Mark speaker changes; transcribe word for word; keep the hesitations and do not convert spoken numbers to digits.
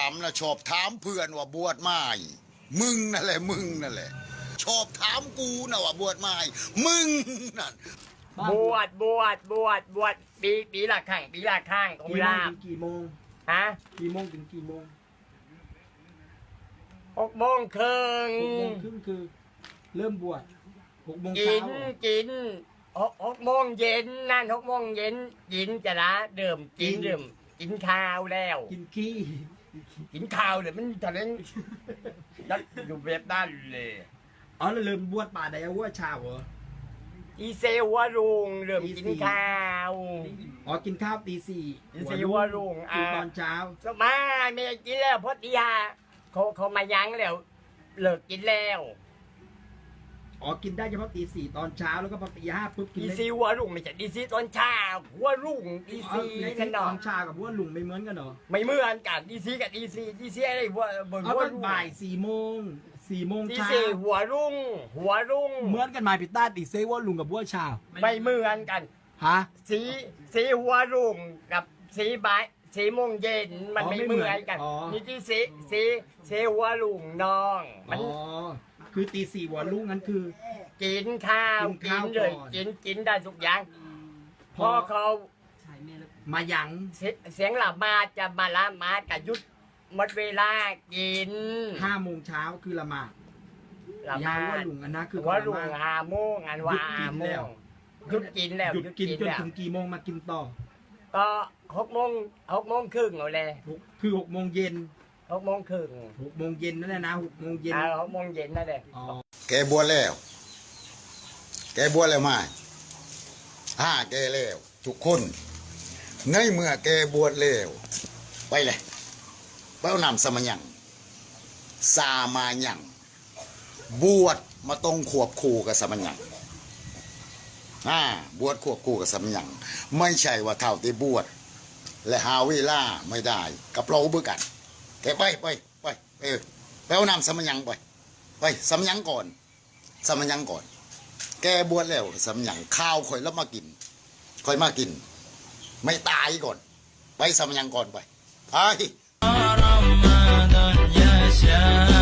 Speaker 1: ามนะชอบถามเพื่อนว่าบวชไม่มึงนั่นแหละมึงนั่นแหละชอบถามกูนะว่าบวชไม่มึงนั่น
Speaker 2: บวชบวชบวชบวชปีปีละครั้งปีละครั้งของ
Speaker 3: กี่โม
Speaker 2: ลาง บ
Speaker 3: ถึงกี่โมง
Speaker 2: ฮะ
Speaker 3: กี่โมงถึงกี่โมง
Speaker 2: หกโมงครึ่ง
Speaker 3: หกโมงครึ่งคือเริ่มบวชหกโมง
Speaker 2: กิ
Speaker 3: เช้าน
Speaker 2: กินหกหกโมงเย็นนั่นหกโมงเย็นกินจะละเดิมกินเดิมกินข้าวแล้ว
Speaker 3: กินขี้
Speaker 2: กินข้าวเลยมันตอนนั้นนัดอยู่แบบด้านเลย
Speaker 3: อ๋อแล้วเริ่มบวชป่าใดเอาว่าเช้าเหรอ
Speaker 2: อีเซวะรุงเริ่มกินข้าว
Speaker 3: อ๋อกินข้าวตีสี่
Speaker 2: อีเซวะรุง
Speaker 3: กินตอนเช้า
Speaker 2: สมาไม่กินแล้วเพราะตีห้าเขาเขามายั้งแล้วเลิกกินแล้ว
Speaker 3: อ๋อกินได้เฉพาะตีสี่ตอนเช้าแล้วก็พอตีห้าปุ๊บกิน
Speaker 2: ดี
Speaker 3: ได้
Speaker 2: ซีหัวรุ่งไม่ใช่ดีซีตอนเช้าหัวรุ่งดี
Speaker 3: อ๋อ
Speaker 2: ซี
Speaker 3: ใน
Speaker 2: กัน
Speaker 3: ต
Speaker 2: เนาะ
Speaker 3: อนเช้ากับว่าลุงไม่เหมือนกันเหรอ
Speaker 2: ไม่เหมือนกันดีซีกับดีซีดีซีอะไรหัวบน
Speaker 3: เอา
Speaker 2: หัว
Speaker 3: ตอน
Speaker 2: รุ่ง
Speaker 3: บ่ายสี่โมงสี่โมง
Speaker 2: ดี
Speaker 3: เช้า
Speaker 2: ซีหัวรุ่งหัวรุ่ง
Speaker 3: เหมือนกันไหมพี่ต้าตีเซว่าลุงกับว่าเช้า
Speaker 2: ไม่เหมือนกัน
Speaker 3: ฮะ
Speaker 2: สีสีหัวรุ่งกับสีบ่ายสีโมงเย็นมัน
Speaker 3: อ๋อ
Speaker 2: ไม่
Speaker 3: ไม่
Speaker 2: เห
Speaker 3: เหมื
Speaker 2: มื
Speaker 3: อน
Speaker 2: อนกัน
Speaker 3: อ๋อ
Speaker 2: นี่ที่สีสีสีหัวรุ่งน้องมั
Speaker 3: อ๋
Speaker 2: น
Speaker 3: อคือตีสี่หัวลุงนั้นคือ
Speaker 2: กินข้าว
Speaker 3: กิน
Speaker 2: กิ
Speaker 3: ข้าน ว
Speaker 2: เลย
Speaker 3: ก่อน
Speaker 2: กินกินได้ทุกอย่างพอเขา
Speaker 3: มายัง
Speaker 2: เสียเสียงละมาดจะมาละมาดกับยุดหมดเวลากิน
Speaker 3: ห้าโมงเช้าคือละหมาด
Speaker 2: ละ
Speaker 3: ยา
Speaker 2: มา
Speaker 3: ว่า
Speaker 2: ด
Speaker 3: ลุงอันนะคือ
Speaker 2: ว่าลุง
Speaker 3: ละหมาด
Speaker 2: หาโมงอันว่าหาโมงหยุดกินแล้ว
Speaker 3: หยุดกินจน
Speaker 2: แล้ว
Speaker 3: ถึงกี่โมงมากินต่อ
Speaker 2: ก็หกโมงหกโมงครึ่งเอาเลย
Speaker 3: หกคือหกโมงเย็น
Speaker 2: หกโมงครึ่ง
Speaker 3: หกโมงเย็นนั่นแหละนะหกโมงเย็น
Speaker 2: อ่าหกโมงเย็นนั่นแหละ
Speaker 3: อ๋อ
Speaker 1: แกบวชแล้ว แกบวชแล้วไม่ห้าแกแล้วทุกคนในเมื่อแกบวชแล้วไปเลยเป้านำสมัญญังสามาญังบวชมาตรงขวบคู่กับสมัญญังอ่าบวชควบคู่กับสมัญญังไม่ใช่ว่าเท่าที่บวชและหาเวลาไม่ได้กับเราเบื่อกันแกไปไปไปเออไปเอานำสมัญญังไปไปสมัญญังก่อนสมัญญังก่อน แกบวชแล้วสมัญญังข้าวค่อยแล้วมากินค่อยมากิน ไม่ตายก่อน ไปสมัญญังก่อนไปไป